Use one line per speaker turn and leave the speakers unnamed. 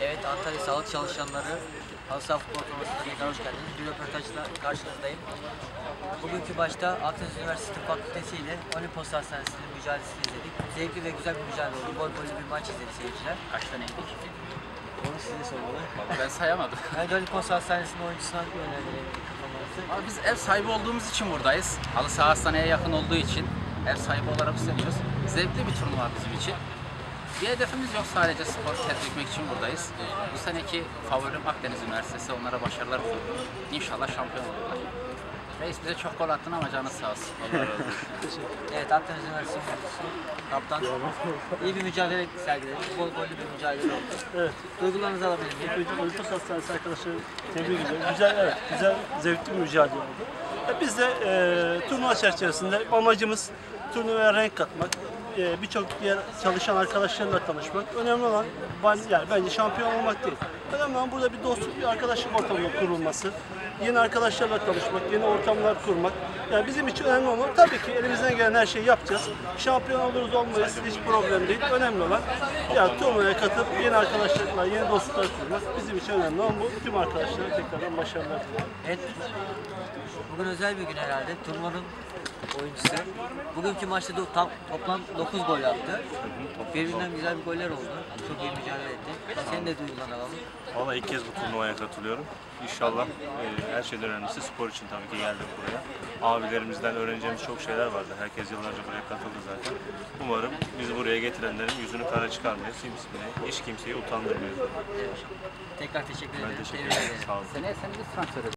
Evet, Antalya Sağlık Çalışanları Halı Saha Futbol Turnuvası'na tekrar hoş geldiniz. Bir röportajla karşınızdayım. Bugünkü maçta Akdeniz Üniversitesi Tıp Fakültesi ile Olimpos Hastanesi'nin mücadelesini izledik. Zevkli ve güzel bir mücadele oldu. Gol gollü bir maç izledi seyirciler.
Kaç taneydik?
Onu size sormalı.
Vallahi ben sayamadım.
Ben de Olimpos Hastanesi'nin oyuncusuna yöneldim kafamızı.
Ama biz ev sahibi olduğumuz için buradayız. Halı saha hastaneye yakın olduğu için ev sahibi olarak hissediyoruz. Zevkli bir turnuva bizim için. Bir hedefimiz yok, sadece spor tetkik için buradayız. Bu seneki favorim Akdeniz Üniversitesi, onlara başarılar diliyorum. İnşallah şampiyon olurlar. Reis bize çok gol attın ama canı sağ olsun. Allah razı olsun.
Evet, Akdeniz Üniversitesi oyuncusu, kaptan. İyi bir mücadele sergiledi. Gol gollü bir mücadele oldu.
Evet.
Duygularınızı alabilir miyim?
Önce Olimpos Hastanesi arkadaşları tebrik ediyorum. Güzel, evet, güzel, zevkli bir mücadele oldu. Biz de turnuva çerçevesinde amacımız turnuvaya renk katmak, birçok diğer çalışan arkadaşlarla tanışmak. Önemli olan yani bence şampiyon olmak değil. Önemli olan burada bir dostluk, bir arkadaşlık ortamının kurulması, yeni arkadaşlarla tanışmak, yeni ortamlar kurmak. Yani bizim için önemli olan, tabii ki elimizden gelen her şeyi yapacağız. Şampiyon oluruz olmayız, hiç problem değil. Önemli olan yani turnuvaya katılıp yeni arkadaşlarla, yeni dostluklar kurmak bizim için önemli olan bu. Tüm arkadaşlara tekrardan başarılar diliyorum.
Evet. Bugün özel bir gün herhalde. Turnuvanın oyuncusu. Bugünkü maçta toplam 9 gol attı. Birbirinden güzel bir goller oldu. Çok iyi mücadele etti. Senin de duygularını alalım.
Valla ilk kez bu turnuvaya katılıyorum. İnşallah her şeyden önemlisi spor için tabii ki geldik buraya. Abilerimizden öğreneceğimiz çok şeyler vardı. Herkes yıllarca buraya katıldı zaten. Umarım bizi buraya getirenlerin yüzünü kara çıkarmayız. Hiç kimseyi utandırmıyoruz.
Tekrar teşekkür ederim.
Ben teşekkür
Tebrik
ederim. Sağ olun.
Seneye seni biz transfer ederiz.